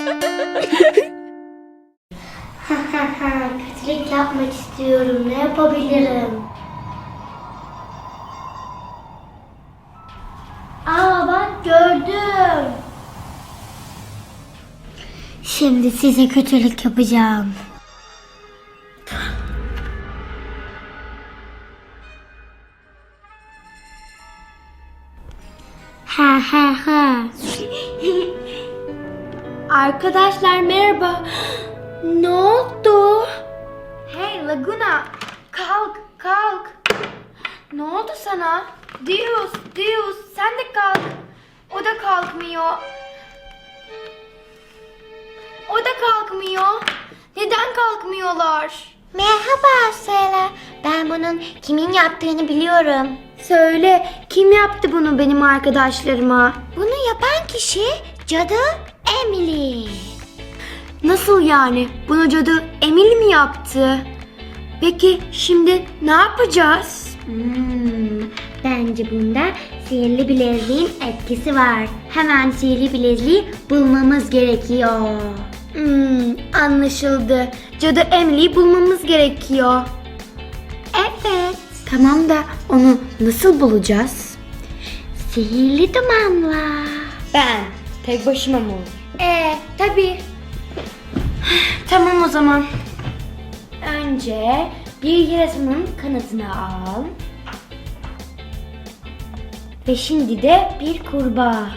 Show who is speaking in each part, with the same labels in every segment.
Speaker 1: Kötülük yapmak istiyorum. Ne yapabilirim? Aa bak gördüm. Şimdi size kötülük yapacağım. Ha ha ha. Arkadaşlar merhaba. Ne oldu?
Speaker 2: Hey Laguna, kalk, kalk. Ne oldu sana? Dios, sen de kalk. O da kalkmıyor. O da kalkmıyor. Neden kalkmıyorlar?
Speaker 1: Merhaba Sela. Ben bunun kimin yaptığını biliyorum.
Speaker 2: Söyle, kim yaptı bunu benim arkadaşlarıma?
Speaker 1: Bunu yapan kişi cadı Emily.
Speaker 2: Nasıl yani? Bunu cadı Emil mi yaptı? Peki şimdi ne yapacağız?
Speaker 1: Bence bunda sihirli bileziğin etkisi var. Hemen sihirli bileziği bulmamız gerekiyor.
Speaker 2: Anlaşıldı. Cadı Emily'yi bulmamız gerekiyor.
Speaker 1: Evet.
Speaker 2: Tamam da onu nasıl bulacağız?
Speaker 1: Sihirli dumanla.
Speaker 2: Ben. Tek başıma mı olur?
Speaker 1: Tabii.
Speaker 2: Tamam o zaman. Önce bir yarasanın kanadını al. Ve şimdi de bir kurbağa.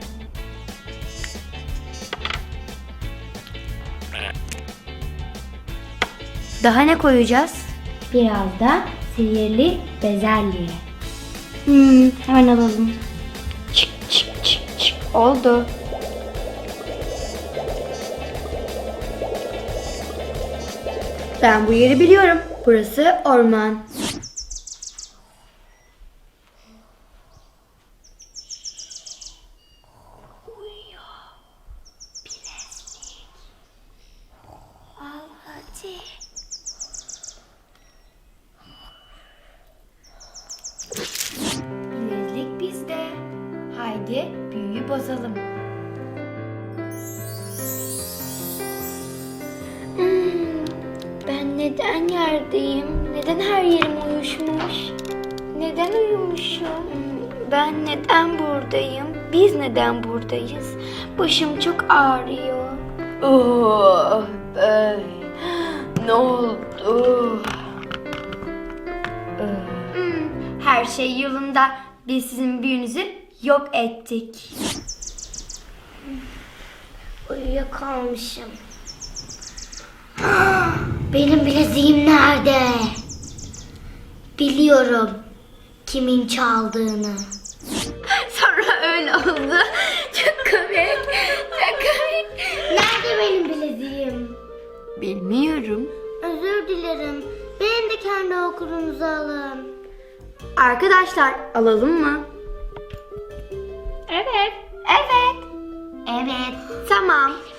Speaker 2: Daha ne koyacağız? Biraz da sihirli bezelye. Hemen alalım. Çık çık çık çık. Oldu. Ben bu yeri biliyorum. Burası orman. Uyuyor. Bilezlik. Al hadi. Bilezlik bizde. Haydi büyüyü bozalım. Ben neden yerdeyim? Neden her yerim uyuşmuş? Neden uyumuşum? Ben neden buradayım? Biz neden buradayız? Başım çok ağrıyor. Oh, ne oldu? Her şey yolunda. Biz sizin büyünüzü yok ettik.
Speaker 1: Uyuyakalmışım. Benim bileziğim nerede? Biliyorum kimin çaldığını.
Speaker 2: Sonra öyle oldu. Çok komik. Çok komik.
Speaker 1: Nerede benim bileziğim?
Speaker 2: Bilmiyorum.
Speaker 1: Özür dilerim. Benim de kendi okulunuzu alın.
Speaker 2: Arkadaşlar alalım mı?
Speaker 1: Evet.
Speaker 2: Evet.
Speaker 1: Evet.
Speaker 2: Tamam.